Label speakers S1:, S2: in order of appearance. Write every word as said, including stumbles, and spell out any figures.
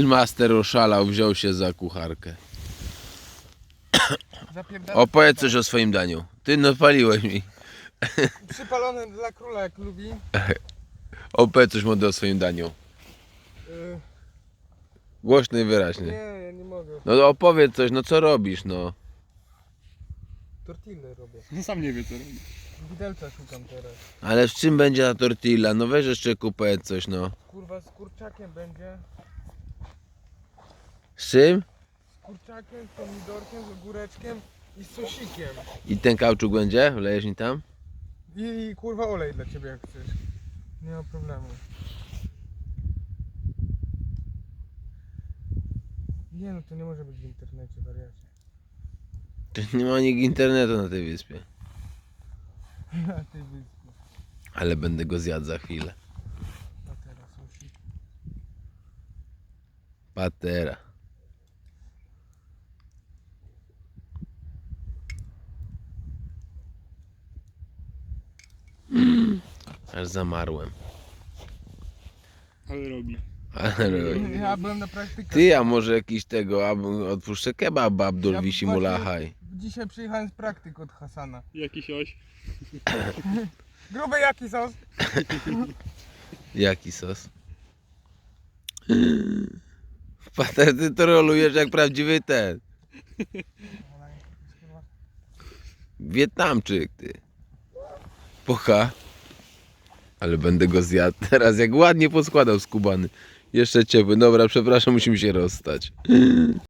S1: Grillmaster oszalał, wziął się za kucharkę.
S2: Zapierdala.
S1: Opowiedz coś o swoim daniu. Ty no paliłeś mi.
S2: Przypalone dla króla jak lubi.
S1: Opowiedz coś młody o swoim daniu.
S2: Yy,
S1: Głośno i
S2: nie,
S1: wyraźnie.
S2: ja nie mogę.
S1: No opowiedz coś, no co robisz, no.
S2: Tortille robię.
S3: No sam nie wie co robi.
S2: Widelca szukam teraz.
S1: Ale w czym będzie ta tortilla? No weź jeszcze powiedz coś, no.
S2: Kurwa z kurczakiem będzie.
S1: Z czym?
S2: Z kurczakiem, z pomidorkiem, z ogóreczkiem i z sosikiem.
S1: I ten kauczuk będzie? Wlejesz mi tam?
S2: I, I kurwa olej dla ciebie jak chcesz. Nie ma problemu. Nie no to nie może być w internecie, wariacie.
S1: To nie ma nikt internetu na tej wyspie.
S2: Na tej wyspie.
S1: Ale będę go zjadł za chwilę.
S2: A teraz sosik.
S1: Patera. Mm, aż zamarłem.
S3: Ale robi.
S1: Ale
S2: Ja byłem na praktykach.
S1: ty, a może jakiś tego, ab- odpuszczę kebab Abdul
S2: Ja
S1: wisi
S2: właśnie
S1: mulahaj.
S2: Dzisiaj przyjechałem z praktyk od Hasana.
S3: Jakiś oś.
S2: Gruby jaki sos?
S1: Jaki sos? Pater, ty to rolujesz jak prawdziwy ten Wietnamczyk, ty. Pocha. Ale będę go zjadł teraz, jak ładnie poskładał skubany. Jeszcze ciepły. Dobra, przepraszam, musimy się rozstać.